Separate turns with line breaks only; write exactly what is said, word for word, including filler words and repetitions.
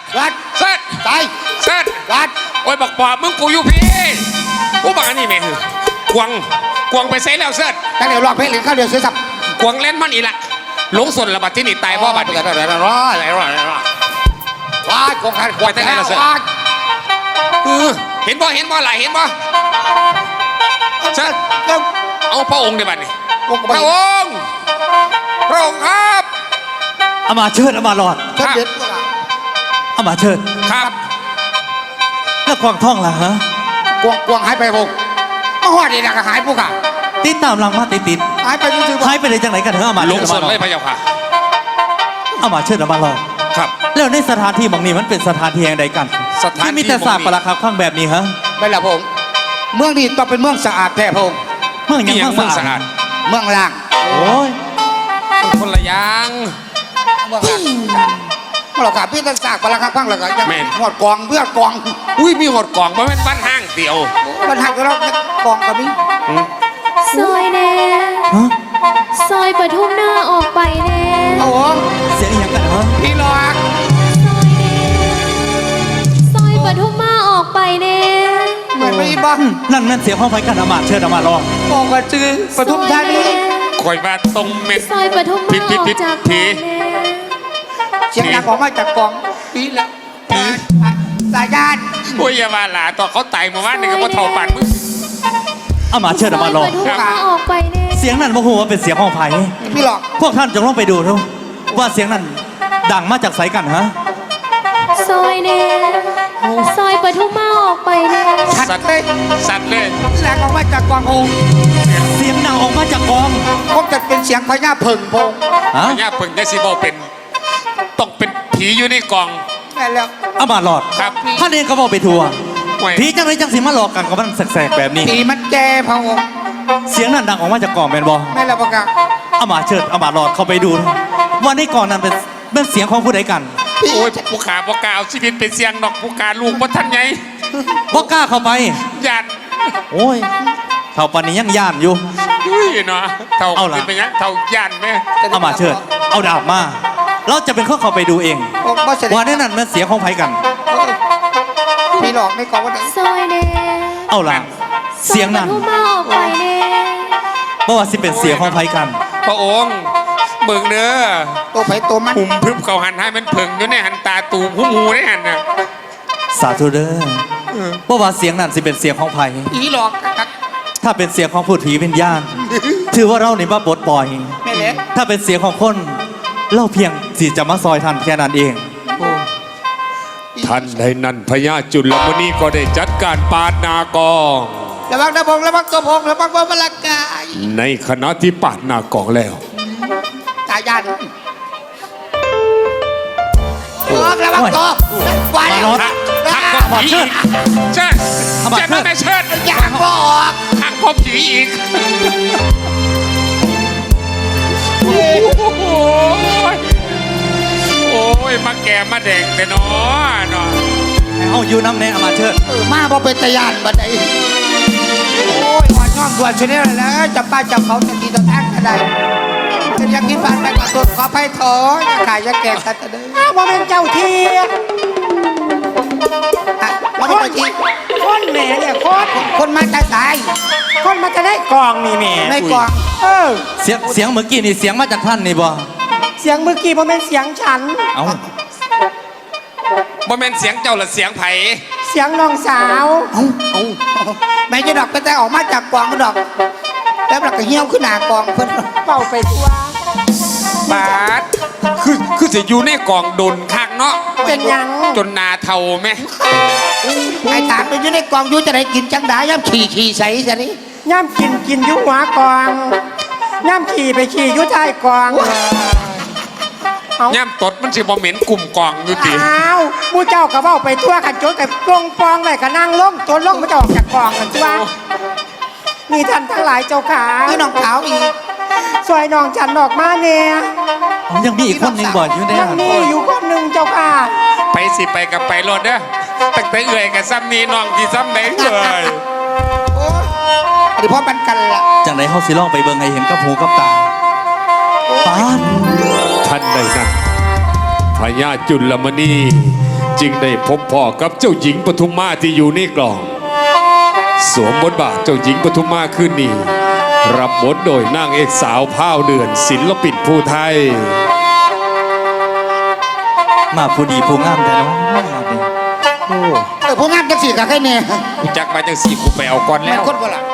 กัด
เซิร์ช
ตาย
เซิร์ช
กัด
โอ้ยบอกปอบมึงกูอยู่พี่กูบอกอันนี้แม่กวางกวางไปเซ่แล้วเซิร์ช
ตั้งแต่รอบเพลงหรือข้าวเดียวเสียสับ
กวางเล่นมันอีละหลงส่วนระบาดที่นี่ตายเพราะบัด
เดี๋
นี้
ยวเดี๋ยวเดี๋ยวรออะไรรออะไรรอว้ายกองขันกวาดแต่ละเสือ
เออเห็นบ่เห็นบ่หลายเห็นบ่เซิร์ช
แล้ว
เอาพระองค์ในบัดนี้
กองก
พระองค์พระองค์ครับ
เอามาเชิดเอามาหลอด
เชิดเด็ด
เอามาเชิด
ครับ
แล้วควางท่องล่ะฮะ
กวงกวงหายไปพงมาหอดนี่นะก็หายปุ๊กอะ
ติดตามหลังมาติดติด
หายไปยืด
หายไปเลยจังไหนกันเถอะเอามา
หล
เชิ
ง
ดเอา
ส่ว
มาน หลอ
เล
ด
ยพระเจ้าค่ะ
เอามาเชิดเอามาหลอด
ครับ
แล้วในสถานที่บางนี้มันเป็นสถานที่แห่งใดกัน
สถานที่
ที่มีแต่สาบประคับข้างแบบนี้ฮะ
ไม่ละพงเมืองนี้ต้องเป็นเมืองสะอาดแท้พง
เมืองยัง
นี่ยัง
เมื
เมื
อ
อง ง
สะ
สะ
อา
อา
ด
ด
เมืองล่าง
โอ้ย
คนละอย่าง
เมืองล่างเราขาพี่ตั้งสากปลาคักพังแล้วก็ยัง
แม่น
หอดกองเพื่อกอง
อุ้ยมีหดกล่องเพราะมันบ้านห้างเดียว
มันหักแล้วกองกับนี้
ซอยแน่
ฮะ
ซอยปทุมหน้าออกไปแน่
โอ้โห
เสียงอหย่างกันฮะ
พี่หลอก
ซอยแน่ซอยปทุมมาออกไปแน่
เหมือนไม่บ้า
อืมนั่นนั่นเสียงห้องไฟกันเอามาเชิดเอามาหลอด
กองกันจือปทุมธานี
คอยมาตรงเม็ด
ซอยปทุม
ผิ
มา
ดผิ
อ
ด
อก
ผิด
จาก
ที
แน่
เสียงดังออกมาจากกองปีแล้วสายญาติ
โอ้ยอย่ามาหลาต่อเขาไต่มาว่าหนึ่งกับว่าเท่าปันมึง
เอามาเชิดเอามาหลอ
ป
ด
ทุมมาออกไปแน่
เสียงนั้นบ่ฮู้ว่าเป็นเสียงห้องไฟ
พี่หลอก
พวกท่านจงลองไปดูดูว่าเสียงนั้นดังมาจากไสกันฮะ
ซอยแน่ซอยปทุมมาออกไปแน่
ชัด
สัตว์
เลย
สัตว์เลย
แหลกออกมาจากกองพง
เสียงดังออกมาจากกอง
คงจะเป็นเสียงพญาเพิ่งพง
ฮะ
พญาเพิ่งจะสิบอเป็นต้องเป็นผีอยู่ในกล่อง
แม่แล้ว
เอามาหลอด
ครับ
ท่านเองก็บอกไปทัวร์
ไว้
ผีจังไรจังสิมาหลอกกันกับมันแสกๆแบบนี้
ตีมันแก่พง
เสียงนั้นดังออกมาจากกล่องแมนบอ
แม่แล้วปะกะ
เอามาเชิดเอามาหลอดเข้าไปดูว่าในกล่องนั้นเป็นเป็นเสียงของผู้ใดกัน
โอ้ยผู้ขาผู้กาเอาชีวิตเป็นเสียงดอกผู้กาลูกว่าท่านไง
บ่กล้าเข้าไป
ยัน
โอ้ยเท่าปานนี้ยังย่านอยู่
อุ้ยเนาะเท่า
เอาล่ะ
เป็นไปยังเท่ายันไหม
เอามาเชิด เอาดาบมา เราจะเป็นข้อเข้าไปดูเอง
ผมบ่เสด็จ
ว่าในนั้นมันเสียงของไผกัน
พี่หลอกในกองว่า
ซอยแน่
เอาล่ะ เสียงนั้น
ซอปทุมมาออกไปแน่
บ่ว่าสิเป็นเสียงของไผกัน
พระองค์เบิ่งเด้อ
ตัวไผ่ตัวมัน
หุ่มพึบเขาหันให้มันเพิ่งอยู่ในหันตาตูผู้หมูในหันน่ะ
สาธุเด้อบ่ว่าเสียงนั้นสิเป็นเสียงของไผ
ผีหลอกกัก
ถ้าเป็นเสียงของผู้ผีวิญญาณ ถือว่าเรานี่มาปลดปล่อย
แม่เล็ก
ถ้าเป็นเสียงของคน เราเพียงสิจะมาซอยทันแค่นั้นเอง
ท่านใดนั้นพญาจุลมณีก็ได้จัดการปาดนากอง
ระวังนะพงระวังตัวพงระวังว่ามันละกาย
ในขณะที่ปาดนากองแล้ว
ตายญาติพงระวังตัววาย
มา
แล้ว
รถ
หักพบผีอีกเชิด
ทำไม
เชิดไม่เชิด
อยากบอก
หักพบผีอีกโอ้ยโอ้ยมาแก่มาแดงแต่น้อเนาะ
เอาอยู่น้ำแน่เอามาเชิด
เออมาบ่เป็นตะยานบัดใดโอ้ยอ่อนย้อนด่วนชนิดแล้วจับป้าจับเขาจะดีต่อทางกันได้จะอยากกินผ่านไปกับตัวขอไปถอยอย่าขายอย่าแก่กันจะเด้ออ้าวบ่เป็นเจ้าที่อ่ะบ่เป็นเจ้าที่
คนแหม่เนี่ยคน
คนมาจะตาย
คนมันจะได้กองนี่แหม่
ในกล่อง
เออ
เสียงเสียงเมื่อกี้นี่เสียงมาจากท่านนี่บ่
เสียงเมื่อกี้มันเป็นเสียงฉัน
เอา
บ่แม่นเสียงเจ้าละเสียงไผ
เสียงน้องสาว
เอ้าแม่จะดอกก็แต่ออกมาจากกล่องก็ดอก แล้วเราก็เหี่ยวขึ้นหน้ากล่องเพิ่น
เป่าไปทั่ว
บาดคือคือจะอยู่ในกล่องดนคักเนาะ
เป็นหยัง
จนนาเทาไหม
ไอ้ถามไปอยู่ในกล่องอยู่จะได้กินจังได้ย่ำขี่ขี่ใส่ซะนี่
ย่ำกินกินอยุหัวกองย่ำขี่ไปขี่อยุท้ายกองเอา
ย่ำตดมันสิบ่เหม็นกลุ่มกล่องอยู่ติ
อ้าวหมูเจ้าก็เบ้าไปทั่วกันจนกับกงปองไว้ก็นั่งลงจนลงมันจะออกจากกองกันทั่วมีท่านทั้งหลายเจ้าขา
นี่น้องขาวอีก
สวยน้องฉันออกมาเนี่ย
ผมยังมีอีกคนหนึ่งบ่อยู่ใน
ยัง
นั้น
มีอยู่คนหนึ่งเจ้าค่ะ
ไปสิไปกับไปรถเด้อตั้งแต่เอื่อยกับซ้ำนี้น้องที่ซ้ำไหนเอ่ย
โอ้ยเดี๋ยวพ่อปันกันละ
จังไดเฮาสิลองไปเบิ่งให้เห็นกับหูกับตาปาน
ท่านใดนั้นพญาจุลมณีจึงได้พบพ่อกับเจ้าหญิงปทุมมาที่อยู่ในกล่องสวมบทบาทเจ้าหญิงปทุมมาขึ้นนี่รับบทโดยนางเอกสาวพาวเดือนศิลปินผู้ไทย
มาผู้ดีผู้งามแต่เนาะมาเป็น
เออผู้งามจังสี่กับใครเนี่ย
กูจักมาจังสี่กูไปเอาก่อน
มั
แล้
น
ว
คนบ่ล่ะ